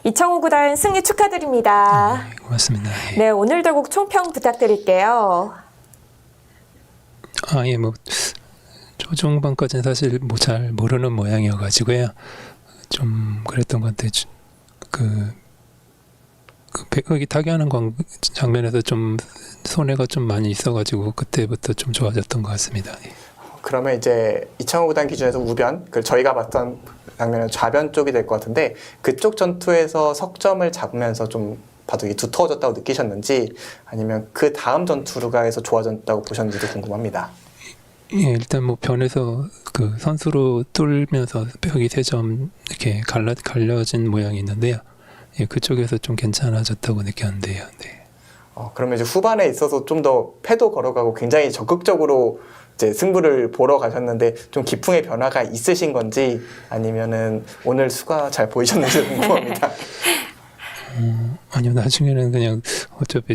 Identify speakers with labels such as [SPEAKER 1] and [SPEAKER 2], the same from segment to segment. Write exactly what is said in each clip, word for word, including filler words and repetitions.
[SPEAKER 1] 이창호 구단 승리 축하드립니다.
[SPEAKER 2] 네, 고맙습니다. 예.
[SPEAKER 1] 네, 오늘 대국 총평 부탁드릴게요.
[SPEAKER 2] 아, 예, 뭐 초중반까지는 사실 뭐 잘 모르는 모양이어가지고요. 좀 그랬던 것 같아요. 그, 그 백흑이 타격하는 광, 장면에서 좀 손해가 좀 많이 있어가지고 그때부터 좀 좋아졌던 것 같습니다. 예.
[SPEAKER 3] 그러면 이제 이창호 구단 기준에서 우변, 그 저희가 봤던 장면은 좌변 쪽이 될 것 같은데 그쪽 전투에서 석점을 잡으면서 좀 바둑이 두터워졌다고 느끼셨는지 아니면 그 다음 전투가에서 좋아졌다고 보셨는지도 궁금합니다.
[SPEAKER 2] 예, 일단 뭐 변에서 그 선수로 뚫면서 벽이 세 점 이렇게 갈라, 갈려진 모양이 있는데요. 예, 그쪽에서 좀 괜찮아졌다고 느꼈는데요. 네.
[SPEAKER 3] 어, 그러면 이제 후반에 있어서 좀 더 패도 걸어가고 굉장히 적극적으로 이제 승부를 보러 가셨는데 좀 기풍의 변화가 있으신 건지 아니면은 오늘 수가 잘 보이셨는지 궁금합니다.
[SPEAKER 2] 어, 아니요, 나중에는 그냥 어차피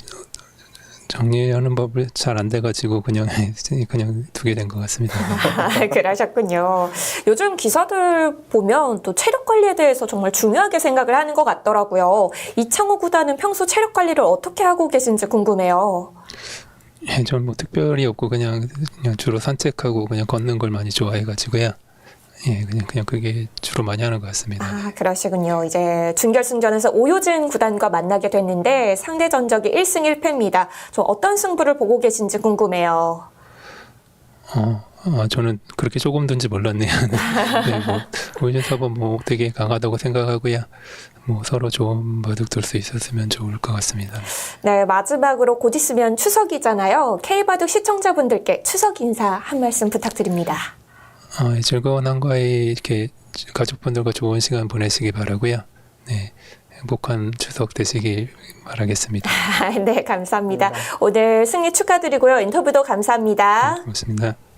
[SPEAKER 2] 정리하는 법을 잘 안 돼가지고 그냥 그냥 두게 된 것 같습니다.
[SPEAKER 1] 그러셨군요. 요즘 기사들 보면 또 체력 관리에 대해서 정말 중요하게 생각을 하는 것 같더라고요. 이창호 구단은 평소 체력 관리를 어떻게 하고 계신지 궁금해요.
[SPEAKER 2] 예, 저는 뭐 특별히 없고 그냥 그냥 주로 산책하고 그냥 걷는 걸 많이 좋아해가지고요. 예, 그냥 그냥 그게 주로 많이 하는 것 같습니다.
[SPEAKER 1] 아, 그러시군요. 이제 준결승전에서 오효진 구단과 만나게 됐는데 상대 전적이 일 승 일 패입니다. 좀 어떤 승부를 보고 계신지 궁금해요.
[SPEAKER 2] 어, 아, 저는 그렇게 조금 든지 몰랐네요. 네, 뭐 오효진 사범 뭐 되게 강하다고 생각하고요. 뭐 서로 좋은 바둑 둘 수 있었으면 좋을 것 같습니다.
[SPEAKER 1] 네, 마지막으로 곧 있으면 추석이잖아요. K바둑 시청자분들께 추석 인사 한 말씀 부탁드립니다.
[SPEAKER 2] 어, 즐거운 한가위 이렇게 가족분들과 좋은 시간 보내시기 바라고요. 네, 행복한 추석 되시길 바라겠습니다.
[SPEAKER 1] 네, 감사합니다.
[SPEAKER 3] 네.
[SPEAKER 1] 오늘 승리 축하드리고요. 인터뷰도 감사합니다.
[SPEAKER 2] 네, 고맙습니다.